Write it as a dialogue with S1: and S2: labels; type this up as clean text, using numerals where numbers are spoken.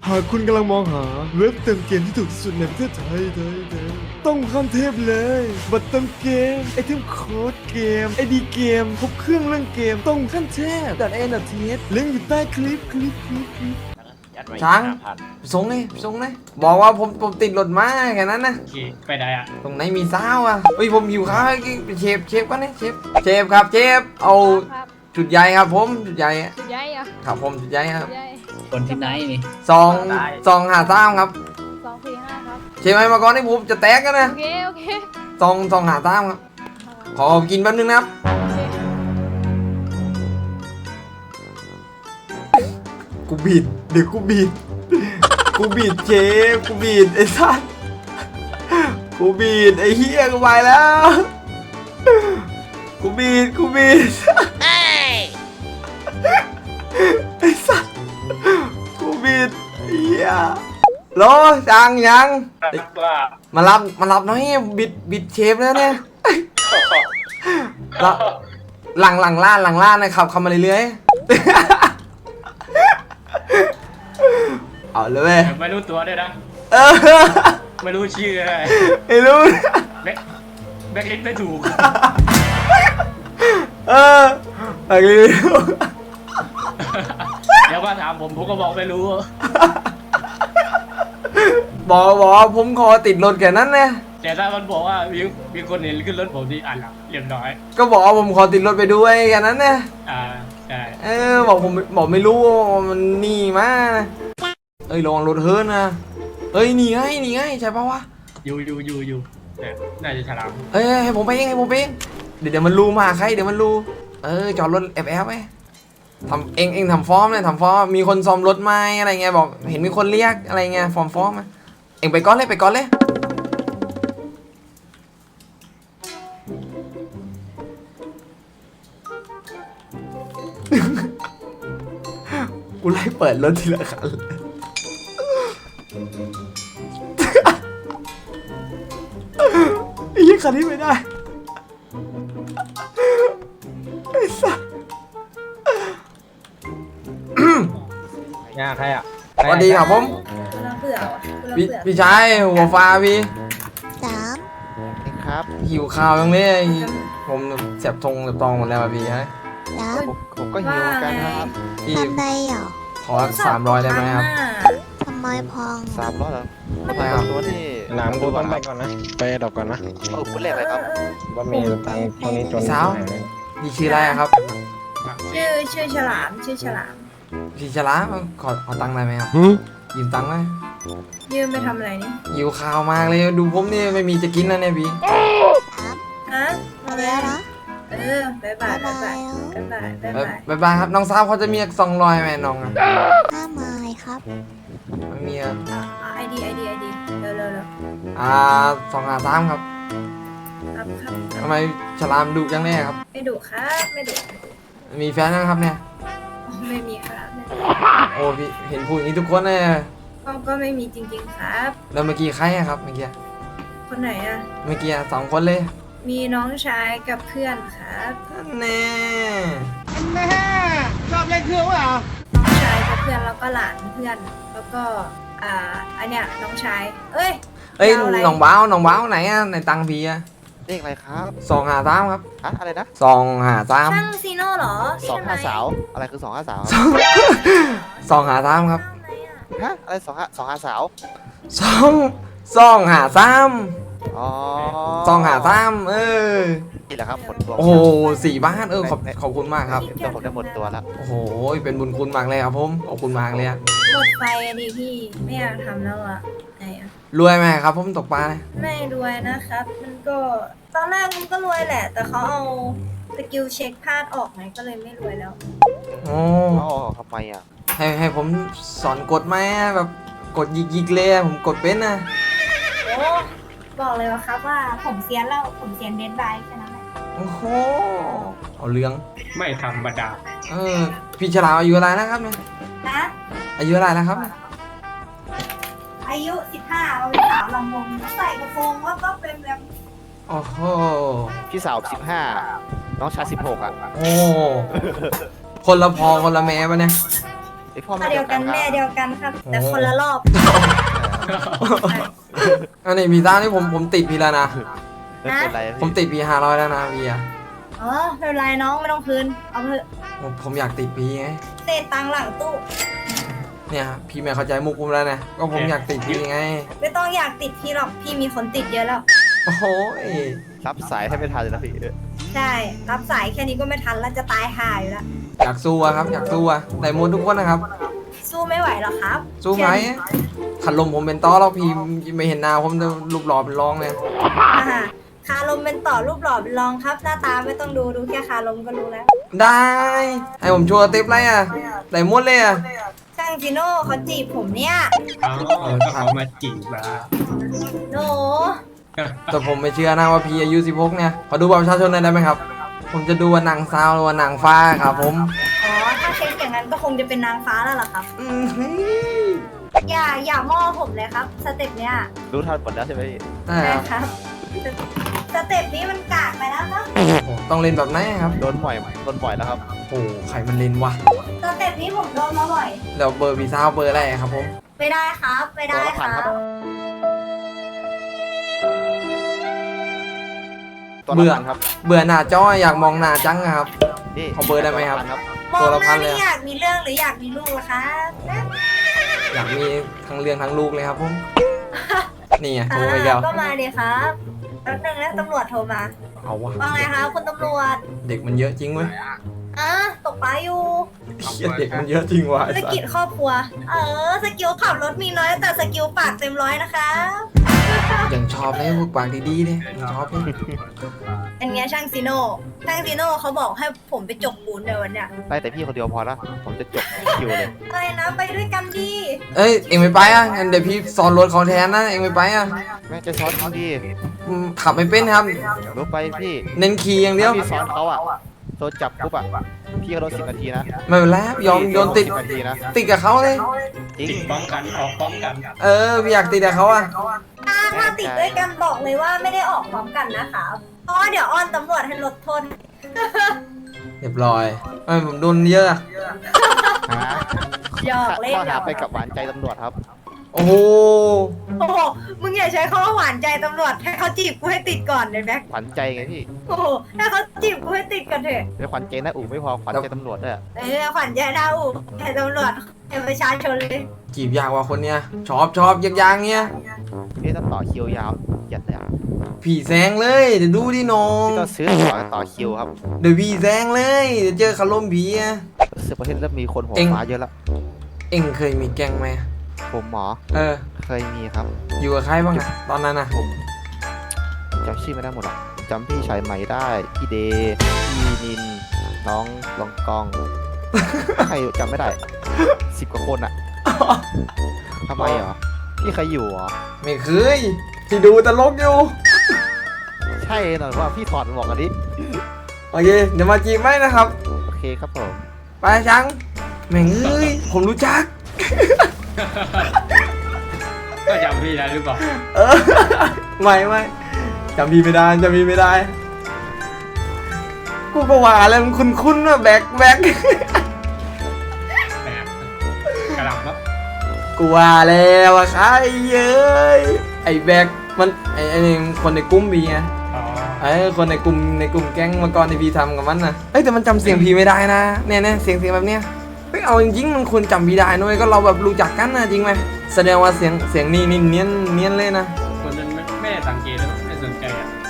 S1: หากคุณกำลังมองหาเว็บเติมเกมที่ถูกที่สุดในประเทศไทยต้องขั้นเทพเลยบัตรเติมเกมไอเทมโค้ดเกมไอดีเกมครบเครื่องเรื่องเกมต้องขั้นเทพ.n.th ลิงก์อยู่ใต้คลิป
S2: ช้างส่งเลยบอกว่าผมติดรถมาแค่นั้นนะ
S3: โอเคไปได้อะ
S2: ตรงไหนมีซ้าวอ่ะเฮ้ยผมหิวข้าวเชฟก็เนี่ยเชฟครับเชฟเอา
S4: ครับ
S2: จุดใหญ่ครับผมจุดใหญ่
S4: สุดใหญ่อะ
S2: ครับผมจุดใหญ่ครับ
S4: สุดใหญ่
S3: คนที่ไหนนี่
S2: ซองหาซ้าวครับ
S4: 245ครับ
S2: เชฟให้มาก่อนนี่ผมจะแตกกันนะ
S4: โอเค
S2: ซองหาซ้าวครับขอกินแป๊บนึงนะครับ กูบีดเดี๋ยวกูบีดเชฟกูบีดไอ้สัสกูบีดไอ้เหี้ยกูไปแล้วกูบีดไอ้สัสกูบีดไอ้เหี้ยรอยังมารับหน่อยบิดเชฟแล้วเนี่ยหลังล่านนะครับเข้ามาเรื่อยๆเอาเลย
S3: ไม่รู้ตัวด้วยนะ ไม่รู้ชื่ออะไร
S2: ไม่รู้
S3: แบ็คลิสไม่ถูก
S2: อะไร
S3: เดี๋ยวก็ถามผมก็บอกไม่รู้
S2: บอกผมขอติดรถแค่นั้นนะ
S3: แต่ถ้ามันบอกว่ามีคนเห็นขึ้นรถผมที่อ่านหลังเรียบร้อย
S2: ก็บอกว่าผมขอติดรถไปด้วยแค่นั้นนะ
S3: ใช่
S2: บอกไม่รู้ว่ามันนี่มาเอ้ยระวังรถเฮิร์นนะเอ้ยนี่ไงใช่ปะวะ
S3: อยู่แต่น่าจะฉลาม
S2: เอ้ยให้ผมไปเองเดี๋ยวมันรู้มาใครเดี๋ยวมันรู้จอดรถแอบไหมทำเองทำฟอร์มเลยมีคนซ่อมรถไหมอะไรเงี้ยบอกเห็นมีคนเรียกอะไรเงี้ยฟอร์มไหมเองไปก่อนเลยกูไล่เปิดรถทีละคันไอ้ยี่คันนี้ไม่ได้ไอ้สัส
S5: ใครอ่ะ
S2: สวัสดีครับผม
S4: เราเบื่อ
S2: พี่ชายหัวฟ้าพี่
S5: ครับ
S2: หิวข้าวยังเนี่ยผมเสียบตองหมดแล้วอะพี่ฮะ
S6: แล้ว
S5: ผมก็หิวเหมือนกันครับ
S2: พี่
S6: ทำไมเหรอ
S2: ขอ300ได้ไหมครับ
S6: ทำไมพอง
S5: 300เหรอ
S2: ใช่ครับ
S5: ตัวนี่
S7: หลังกูต้องไปก่อนนะ ไปดอกก่อนนะ
S5: คุณเรียกอะไรครับ
S7: ว่ามีตังค์ตรงนี้จน
S2: สาว พี่ชื่ออะไรอะครับ
S4: ชื่อฉลาม
S2: พี่ชลาขอตังค์ได้ไหมครับยืมตังค์ไหม
S4: ยืมไปทำอะไรนี่
S2: หิวข้าวมากเลยดูผมนี่ไม่มีจะกินแล้วเนี่ยพี่
S6: ครับ
S4: ฮะ
S6: มาแล้วนะ
S4: บ๊ายบาย
S6: บ๊ายบาย
S2: บ๊ายบายครับน้องสาวเขาจะมี200ไหมน้องอะ
S6: ห้าไม้ครับ
S2: ไม่มีอะ
S4: ไอดีเร็ว
S2: 253ครับ
S4: ครับ
S2: ทำไมฉลามดุจังเนี่ยครับ
S4: ไม่ดุครับไม่ดุ
S2: มีแฟนยังครับเนี่ย
S4: ไม่มีครับ
S2: โอ้พี่เห็นพูดอย่างนี้ทุกคนเลย
S4: ก็ไม่มีจริงๆครับ
S2: แล้วเมื่อกี้ใครอะครับเมื่อกี้
S4: คนไหนอ่ะ
S2: เมื่อกี้2 คนเลย
S4: มีน้องชายกับเพื่อนครับ
S2: แน่
S4: น้องชายกับเพื่อนแล้วก็หลานเพื่อน แล้วก็อันเนี้ยน้องชาย เอ้ย เอาอะไร
S2: น้องบ้าวไหนอะในตังค์พี่อะ
S5: เรียกอะไรครับ
S2: 253ครับ
S5: ฮะอะไรนะ
S2: 253
S4: ช่างซีโน่เหรอ
S5: 253สาวอะไรคือ253
S2: 253ครับ
S5: ฮะอะไร253สาว
S2: 253
S5: อ๋อ
S2: 253
S5: นี่แหละครับผลตัว
S2: โอ้โห4 บ้านขอบคุณมากครับ
S5: ตัวผมได้หมดตัวแล้ว
S2: โอ้โหเป็นบุญคุณมากเลยครับผมขอบคุณมากเลยอะ
S4: หมดไฟอะดิพี่ไม่อยากทำแล้วอะไงอะ
S2: รวยไหมครับผมตกปลาเนี่ย
S4: ไม่รวยนะครับ มันก็ตอนแรกมันก็รวยแหละ แต่เขาเอาสกิลเช็คพลาดออกไงก็เลยไม่รวยแล้ว
S2: โอ้
S5: อ๋อทำไมอ่ะ
S2: ให้ผมสอนกดไหมอะแบบกดยิกเลยอะผมกดเป็นนะ
S4: โอ้บอกเลยว่าครับว่าผมเซียนแล้วผมเซียนเดนบายแค่นั้นแหละ
S2: โอ้โหเอาเรื่อง
S3: ไม่ธรรมดา
S2: พี่ฉลามอายุอะไรนะครับเนี่ย
S4: นะ
S2: อายุอะไรแล้วครับ
S4: อายุ 15เราเป็นสาวลำวงใส่กระโปรงว่าก็เป็นแบบ
S2: โอ้โห
S5: พี่สาว15น้องชาย16อ่ะ
S2: โอ้คนละพอคนละแม่ปะเนี่ย
S5: ไอพ่อ
S4: พ่อ
S5: แม่
S4: เดียวกัน
S5: ครับ
S4: แม่เดียวกันครับ แต่คนละรอบ
S2: อันนี้พีซ่านี่ผมติดพี่แล้วนะ
S5: ไม่เป็นไร
S2: ผมติดพี่500แล้วนะพี่อะ
S4: อ๋อไม่เป็นไรน้องไม่ต้องคืนเอาเถอะ
S2: ผมอยากติดพี่ไง
S4: เศษตังค์หลังตู้
S2: เนี่ยพี่ไม่เข้าใจมุกผมแล้วนะก็ผมอยากติดพี่ไง
S4: ไม่ต้องอยากติดพี่หรอกพี่มีคนติดเยอะแล้ว
S2: โอ้โหย
S5: รับสายให้ไม่ทันเลยนะพี่
S4: ใช่รับสายแค่นี้ก็ไม่ทันแล้วจะตายห่าอยู่แล้ว
S2: อยากสู้อะครับอยากสู้อะแต่หมดทุกคนนะครับ
S4: สู้ไม่ไหวหรอกครับ
S2: สู้ไหมขันลมผมเป็นต้อแล้วพี่ไม่เห็นหน้าผมจะรูปหล่อเป็นรองเลย
S4: อ่าคาลมเป็นต่อรูปหล่อเป็นรองครับ หน้าตาไม่ต้องดูแค่คาลมก็รู้แล้ว
S2: ได้ให้ผมโชว์เต็ปไรอะแต่หมดเลยอะ
S4: ช่างจิโน่เขาจีบผมเนี่ย
S3: อ๋อก็เขามาจีบมา
S4: โน
S2: แต่ผมไม่เชื่อนะว่าพี่อายุ16เนี่ยขอดูบัตรประชาชนหน่อยได้ไหมครับ ผมจะดูว่าหนังสาวหรือว่าหนังฟ้าครับผม
S4: อ๋อถ้าเช็คอย่างนั้นก็คงจะเป็นนางฟ้าแล้วล่ะครับ
S2: อื้อหือ
S4: อย่าม่อผมเลยครับสเต็ปเนี้ย
S5: รู้ทันหมดแล้วใช่ไหมพี่
S2: ใช่
S4: ใช่
S2: ครับ
S4: ครับสเต็ปนี้มันกากไปแล้วเนาะ
S2: โอ้โหต้องเล่นแบบไหนครับ
S5: โดนบ่อยแล้วครับ
S2: โอ้โหใครมันเล่นวะ
S4: สเต็ปนี้ผมโดนมาบ่อย
S2: แล้วเบอร์วีซ่าเบอร์อะไรครับผม
S4: ไม่ได้ครับไม่ได้ครับ
S5: ตัว
S2: เบื่อ
S5: ละพันครับ
S2: เบื่อหน้าจ้ออยากมองหน้าจังอะครับ
S5: พี่
S2: ขอเบอร์ได้ไหมครับ
S5: ตัว
S4: ม
S5: ละ
S4: อง
S5: พัน
S4: หน้านี่อยากมีเรื่องหรืออยากมีลูกอะครับนะ
S2: อยากมีทั้งเรื่องทั้งลูกเลยครับผม นี่ไงโทรไปแล้ว
S4: ก็มาเลยครับแป๊บนึงนะตำรวจโทรมา
S2: เอาวะ
S4: ว่าไงครับคุณตำรวจ
S2: เด็กมันเยอะจริงเว้ย
S4: ตกปลาอยู่
S2: เหี้ยเด็กมันเยอะจริงว่ะไอ้
S4: ธุร
S2: สัส
S4: กิจครอบครัว สกิลขับรถมีน้อยแต่สกิลปากเต็มร้อยนะคะ
S2: ยังชอบเลยพวกปากดีๆเนี่ยยังชอบเลย
S4: อันเนี้ยช่างซีโน่เขาบอกให้ผมไปจกปูนในวันเนี้ย
S5: ได้แต่พี่คนเดียวพอละผมจะจบคิวเลย
S4: อะไรนะไปด้วยกันดี
S2: เอ้ยเอ็งไม่ไปอ่ะงั้นเดี๋ยวพี่สอนรถเขาแทนนะเอ็งไม่ไปอ่ะ
S5: แม่งจะซ้อนเขาดี
S2: ขับไม่เป็นครับ
S5: รู้ไปพี่
S2: เน้นขี่อย่างเดียว
S5: ถ้าพี่ซ้อนเขาอ่ะโดนจับปุ๊บอ่ะพี่ก็โดน10 นาทีนะ
S2: ไม่เป็นไรครับยอมโดนติด
S5: 10 นาทีนะ
S2: ติดกับเขาเลย
S5: จริง
S3: ติดป้องกันออกป้องกัน
S2: เออพี่อยากติดกับเขาอ่ะ
S4: ถ้าติดด้วยกันบอกเลยว่าไม่ได้ออกพร้อมกันนะคะเพราะว่าเดี๋ยวอ้อนตำรวจให้ลดโทษ
S2: เรียบร้อยทำไมผมโดนเยอะอะ
S5: หา
S4: หยอกเล่น
S5: ข้อ
S4: หย
S5: หา
S4: อก
S5: ไปกับหวานใจตำรวจครับ
S2: โอ้โห
S4: โอ้โหมึงอย่าใช้คำว่าหวานใจตำรวจให้เขาจีบกูให้ติดก่อนเลยแบ็ค
S5: ขวัญใจไงพี่
S4: โอ้โหถ้าเขาจีบกูให้ติดก่อนเถอะ
S5: เป็นขวัญใจหน้าอู่ไม่พอขวัญใจตำรวจด้วยอะ
S4: ขวัญใจดาวแต่ตำรวจแต่ประชาชนเลย
S2: จีบยากว่ะคนเนี้ยชอบยากๆเนี้ย
S5: พี่ต้องต่อคิวยาวเหยัดเลยอะ
S2: พี่แซงเลยเดี๋ยวดูดิน้อง
S5: พี่ต้องซื้อตั๋วต่อคิวครับ
S2: เดี๋ยวพี่แซงเลยเดี๋ยวเจอคารมผีอะ
S5: รู้สึกประเทศเริ่มมีคนหัว
S2: เอ็ง
S5: ฟ้าเยอะแล้ว
S2: เอ็งเคยมีแก๊งไหม
S5: ผมหมอ
S2: เออ
S5: เคยมีครับ
S2: อยู่กับใครบ้างอะตอนนั้นอะ
S5: จำชื่อไม่ได้หมดหรอกจำพี่ชายใหม่ได้ พี่เดย์พี่นิน น้องลองกอง ใครจำไม่ได้ 10 กว่าคนอะทำไมเหรอ พี่ใครอยู่เหรอ
S2: ไม่เคยที่ดูตลกอยู่
S5: ใช่หน่อยว่าพี่ถอดหมวกอันนี้
S2: โอเคเดี๋ยวมาจีบไหมนะครับ
S5: โอเคครับผม
S2: ไปช้างแม่งเอ้ยผมรู้จัก
S3: ก็จำพี่ได้หรือเปล่า
S2: เออ ไม่จำพี่ไม่ได้กูก็ว่าแล้วมันคุ้นๆว่าแบก
S3: แหมกระหล่ำครับ
S2: กูว่าแล้วว่าใครเย้ยไอ้แบกมันไอ้นี่คนในกลุ่มบีไง
S3: อ๋อ
S2: ไอ้คนในกลุ่มแก๊งมาก่อนที่พี่ทำกับมันนะเอ้ยแต่มันจำเสียงพี่ไม่ได้นะเนี่ยเสียงแบบเนี้ยเฮ้ยเอาจริงๆมันควรจำพี่ได้นะเว้ยก็เราแบบรู้จักกันนะจริงไหมแสดงว่าเสียงนี่เนียนเลยนะ
S3: คนนั้นไม่ได้สังเกตแล้วไม่สนใจอ่ะ